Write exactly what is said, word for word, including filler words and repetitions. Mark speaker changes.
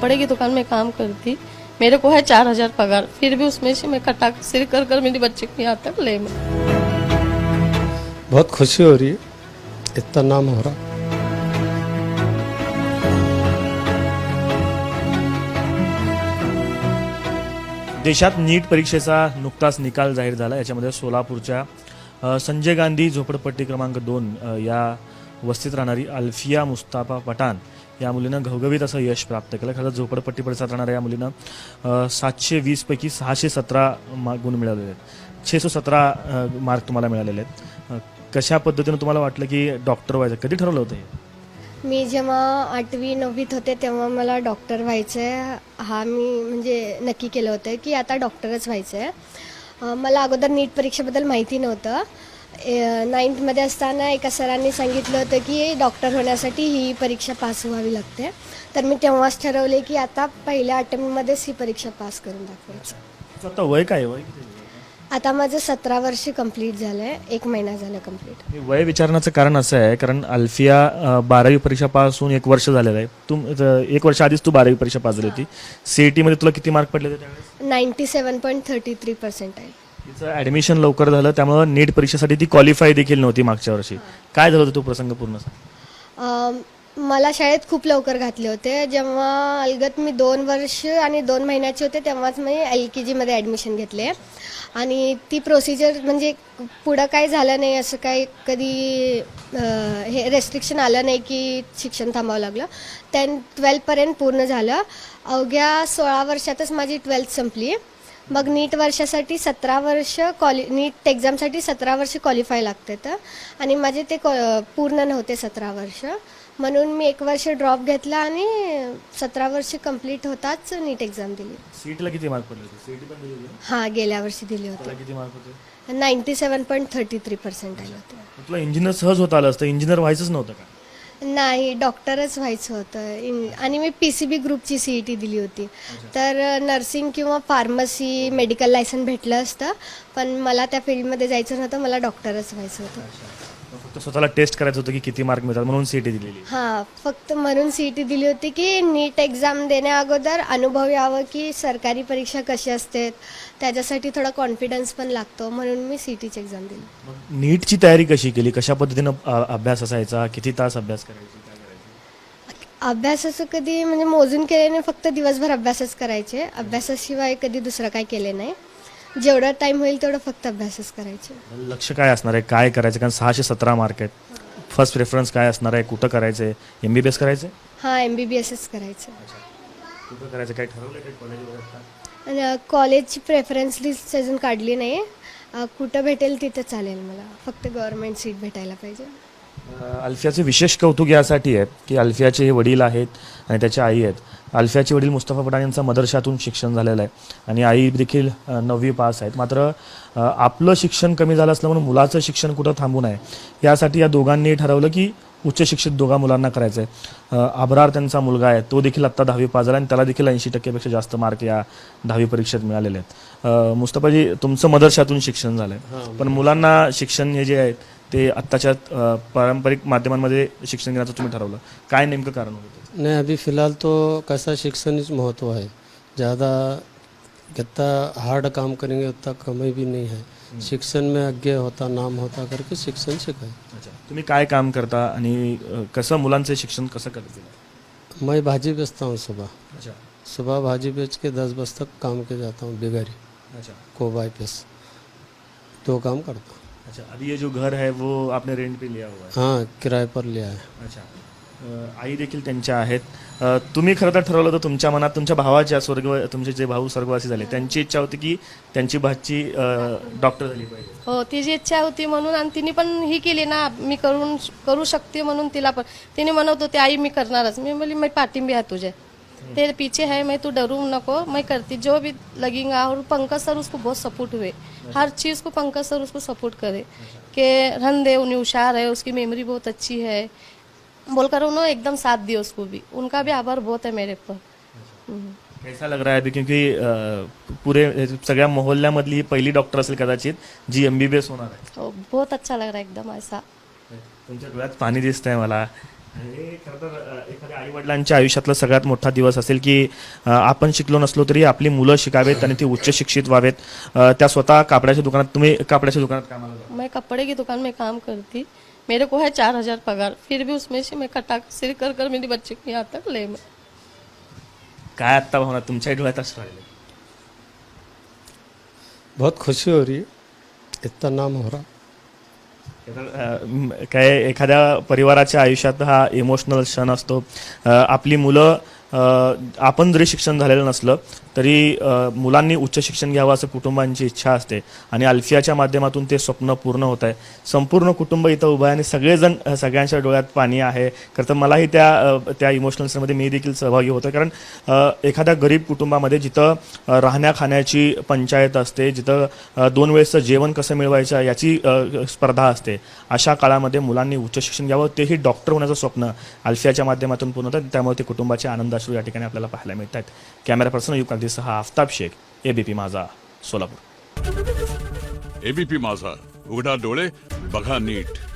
Speaker 1: कपड़े की दुकान में काम करती, मेरे को है चार हजार पगार, फिर भी उसमें से मैं कटा सिर कर कर मेरी बच्चे को यहाँ तक ले मैं।
Speaker 2: बहुत खुशी हो रही है, इतना नाम हो रहा।
Speaker 3: देशात नीट परीक्षेचा नुकताच निकाल जाहीर झाला। याच्यामध्ये सोलापूरच्या अ, संजय गांधी झोपडपट्टी क्रमांक दोन अ, या वस्तीत राहणारी अल्फिया मुस्ताफा पठाण या मुलीनं घवघवीत असं यश प्राप्त केलं। खरं झोपडपट्टी परिसरात राहणाऱ्या या मुलीनं अ, सातशे वीस पैकी सहाशे सतरा मा- गुण मिळवलेले आहेत, छेसो सतरा अ, मार्क तुम्हाला मिळालेले आहेत। अ, कशा पद्धतीनं तुम्हाला वाटलं की डॉक्टर व्हायचं, कधी ठरवलं होतं हे?
Speaker 4: मी जेव्हा आठवी नववीत होते तेव्हा मला डॉक्टर व्हायचं आहे हा मी म्हणजे नक्की केलं होतं की आता डॉक्टरच व्हायचं आहे। मला अगोदर नीट परीक्षेबद्दल माहिती नव्हतं। नाईन्थमध्ये असताना एका सरांनी सांगितलं होतं की डॉक्टर होण्यासाठी ही परीक्षा पास व्हावी लागते, तर मी तेव्हाच ठरवले की आता पहिल्या अटेम्प्टमध्येच ही परीक्षा पास करून दाखवायची।
Speaker 3: तुझं आता वय काय आहे? वय किती आहे?
Speaker 4: आता माझं सतरा वर्ष कंप्लीट झालं आहे, एक महिना झालं कंप्लीट।
Speaker 3: हे वय विचारण्याचं कारण असं आहे कारण अल्फिया अ, बारावी परीक्षा पास होऊन एक वर्ष झालेलं आहे। तुम अ, एक वर्ष आधीच तू बारावी परीक्षा पास झाली होती। सीईटी मध्ये तुला किती मार्क पडले होते त्यावेळेस?
Speaker 4: Ninety seven point thirty three percent आहे।
Speaker 3: तिचं ऍडमिशन लवकर झालं, त्यामुळे नीट परीक्षेसाठी ती क्वालिफाय देखील नव्हती मागच्या वर्षी। काय झालं होतं तो प्रसंग पूर्ण सांग?
Speaker 4: अम, मला शाळेत खूप लवकर घातले होते। जेव्हा अलगत मी दोन वर्ष आणि दोन महिन्याचे होते तेव्हाच मी एल के जीमध्ये ॲडमिशन घेतले आणि ती प्रोसिजर म्हणजे पुढं काय झालं नाही, असं काही कधी अ, हे रेस्ट्रिक्शन आलं नाही की शिक्षण थांबावं लागलं। टेन ट्वेल्थपर्यंत पूर्ण झालं। अवघ्या सोळा वर्षातच माझी ट्वेल्थ संपली। मग नीट वर्षासाठी सतरा वर्ष क्वालि नीट एक्झामसाठी सतरा वर्ष क्वालिफाय लागते तर आणि माझे ते पूर्ण नव्हते सतरा वर्ष, म्हणून मी एक वर्ष ड्रॉप घेतला आणि सतरा वर्ष कंप्लीट होताच नीट एक्झाम दिली।
Speaker 3: सीईटीला किती मार्क पडले होते? सीईटी पण दिली होती ना?
Speaker 4: हां, गेल्या वर्षी दिली
Speaker 3: त्याला
Speaker 4: होती।
Speaker 3: किती मार्क होते?
Speaker 4: Ninety seven point thirty three percent आले होते।
Speaker 3: मग तुला इंजिनियर सहज होता आलं असतं, इंजिनियर व्हायचंच नव्हतं का?
Speaker 4: नाही, डॉक्टरच व्हायचं होतं इन आणि मी पी सी बी ग्रुपची सी ई टी दिली होती, तर नर्सिंग किंवा फार्मसी मेडिकल लायसन भेटलं असतं, पण मला त्या फील्डमध्ये जायचं नव्हतं, मला डॉक्टरच व्हायचं होतं।
Speaker 3: मग फक्त स्वतःला टेस्ट करायचं होतं की किती मार्क मिळतात म्हणून सीईटी दिलेली।
Speaker 4: हां, फक्त म्हणून सी ई टी दिली होती की नीट एक्झाम देण्या अगोदर अनुभव यावं की सरकारी परीक्षा कशी असते, त्याच्यासाठी थोडा कॉन्फिडन्स पण लागतो, म्हणून मी सी ई टीची एक्झाम दिली।
Speaker 3: मग नीटची तयारी कशी केली? कशा पद्धतीनं अ, अभ्यास असायचा? किती तास अभ्यास करायची? काय करायची?
Speaker 4: अभ्यासाचं कधी म्हणजे मोजून केले नाही, फक्त दिवसभर अभ्यासच करायचे। अभ्यासाशिवाय कधी दुसरं काय केले नाही, जेवढा टाइम होईल तेवढं फक्त अभ्यासच करायचे।
Speaker 3: लक्ष काय असणार आहे? काय करायचं? कारण सहाशे सतरा मार्क आहेत। फर्स्ट प्रेफरन्स काय असणार आहे? कुठं करायचं आहे? एम बी बी एस करायचं आहे?
Speaker 4: हां, एम बी बी एसच करायचं।
Speaker 3: कुठं करायचं? काय ठरवलं काही कॉलेज वगैरे?
Speaker 4: आणि कॉलेजची प्रेफरन्स लिस्ट अजून काढली नाही, अ, कुठं भेटेल तिथं चालेल मला, फक्त गव्हर्नमेंट सीट भेटायला पाहिजे।
Speaker 3: अल्फियाचे विशेष कौतुक यासाठी आहे की अल्फियाचे हे वडील आहेत आणि त्याच्या आई आहेत। अल्फियाचे वडील मुस्तफा पठाण यांचं मदरशातून शिक्षण झालेलं आहे आणि आई देखील अ, नववी पास आहेत। मात्र अ, आपलं शिक्षण कमी झालं असलं म्हणून मुलाचं शिक्षण कुठं थांबू नये यासाठी या दोघांनी ठरवलं की उच्च शिक्षित दोघा मुलांना करायचं आहे। अब्रार त्यांचा मुलगा आहे, तो देखील आत्ता दहावी पास झाला आणि त्याला देखील ऐंशी टक्क्यापेक्षा जास्त मार्क या दहावी परीक्षेत मिळालेले आहेत। अ, मुस्तफाजी, तुमचं मदरशातून शिक्षण झालं आहे, पण मुलांना शिक्षण हे जे आहे ते आत्ताच्या अ, पारंपरिक माध्यमांमध्ये शिक्षण घेण्याचं तुम्ही ठरवलं, काय नेमकं कारण होतं?
Speaker 2: नहीं, अभी फ़िलहाल तो कैसा शिक्षण ही महत्व है, ज़्यादा कितना हार्ड काम करेंगे उतना कमाई भी नहीं है। शिक्षण में आगे होता नाम होता करके शिक्षण सीखा है।
Speaker 3: अच्छा, तुम्ही काय काम करता आणि अ, कसं मुलांचं शिक्षण कसं करते?
Speaker 2: मैं भाजी बेचता हूँ सुबह
Speaker 3: अच्छा
Speaker 2: सुबह भाजी बेच के दस बजे तक काम के जाता हूँ बिगारी
Speaker 3: अच्छा
Speaker 2: को बाईपास, दो काम करता हूँ।
Speaker 3: अच्छा, अभी ये जो घर है वो आपने रेंट पे लिया हुआ है?
Speaker 2: हाँ, किराए पर लिया है।
Speaker 3: अच्छा, अ, आई देखील त्यांच्या आहेत। अ, तुम्ही खरं तर ठरवलं होतं तुमच्या मनात, तुमच्या भावाच्या स्वर्ग तुमचे जे भाऊ स्वर्गवासी झाले त्यांची इच्छा होती की त्यांची भाची डॉक्टर झाली पाहिजे।
Speaker 1: हो, तिची इच्छा होती म्हणून, आणि तिने पण ही केली ना, मी करून करू शकते म्हणून तिला पण तिने म्हणत होते आई मी करणारच। मी बोली मैं पाठिंबी आहे तुझे, तेरे पीछे है मैं, तू डरू नको, मैं करती जो भी लगेगा। और पंकज सर उसको बहुत सपोर्ट हुए, हर चीज़ को पंकज सर उसको सपोर्ट करे कि रन दे, उन्हें होशियार है, उसकी मेमोरी बहुत अच्छी है बोलकर उन्होंने एकदम साथ दिया उसको भी। उनका भी आभार बहुत है मेरे पर। हम्म।
Speaker 3: कैसा लग रहा है अभी, क्योंकि अ, पूरे सगळ्या मोहल्ल्यामधली ही पहिली डॉक्टर असेल कदाचित जी एम बी बी एस होणार आहे?
Speaker 1: हो, बहुत अच्छा लग रहा है एकदम ऐसा।
Speaker 3: तुमच्या डोळ्यात पाणी दिसतंय मला हे खरं तर अ, एखाद्या आई वडिलांच्या आयुष्यातला सगळ्यात मोठा दिवस असेल की अ, आपण शिकलो नसलो तरी आपली मुलं शिकावेत आणि ती उच्च शिक्षित व्हावेत. अ, त्या स्वतः कापडाच्या दुकानात, तुम्ही कापडाच्या दुकानात कामाला जाता.
Speaker 1: मैं कपड़े की दुकान में काम करती, मेरे को है चार हजार पगार, फिर भी उसमें से मैं कटा सिर कर कर मेरी बच्चे को यहाँ तक ले मैं.
Speaker 3: काय आत्ता भावना तुमच्या डोळ्यात असं राहिले?
Speaker 2: बहुत खुशी हो रही है, इतना नाम हो रहा.
Speaker 3: तर, अ, म, काय एखाद्या परिवाराच्या आयुष्यात हा इमोशनल क्षण असतो. अ, आपली मुलं, अ, आपण जरी शिक्षण झालेलं नसलं तरी अ, मुलांनी उच्च शिक्षण घ्यावं असं कुटुंबांची इच्छा असते आणि अल्फियाच्या माध्यमातून ते स्वप्न पूर्ण होत आहे. संपूर्ण कुटुंब इथं उभं आहे आणि सगळेजण, अ, सगळ्यांच्या डोळ्यात पाणी आहे. खरं तर मलाही त्या अ, त्या इमोशनल क्षणामध्ये मी देखील सहभागी होतो, कारण अ, एखाद्या गरीब कुटुंबामध्ये जिथं अ, राहण्या खाण्याची पंचायत असते, जिथं अ, दोन वेळेचं जेवण कसं मिळवायचं याची अ, स्पर्धा असते, अशा काळामध्ये मुलांनी उच्च शिक्षण घ्यावं, तेही डॉक्टर होण्याचं स्वप्न अल्फियाच्या माध्यमातून पूर्ण होतं. त्यामुळे ते कुटुंबाचे आनंदाश्रू या ठिकाणी आपल्याला पाहायला मिळत आहेत. कॅमेरा पर्सन युग सह आफताब शेख, एबीपी माझा, सोलापूर.
Speaker 5: एबीपी माझा, उघडा डोळे बघा नीट.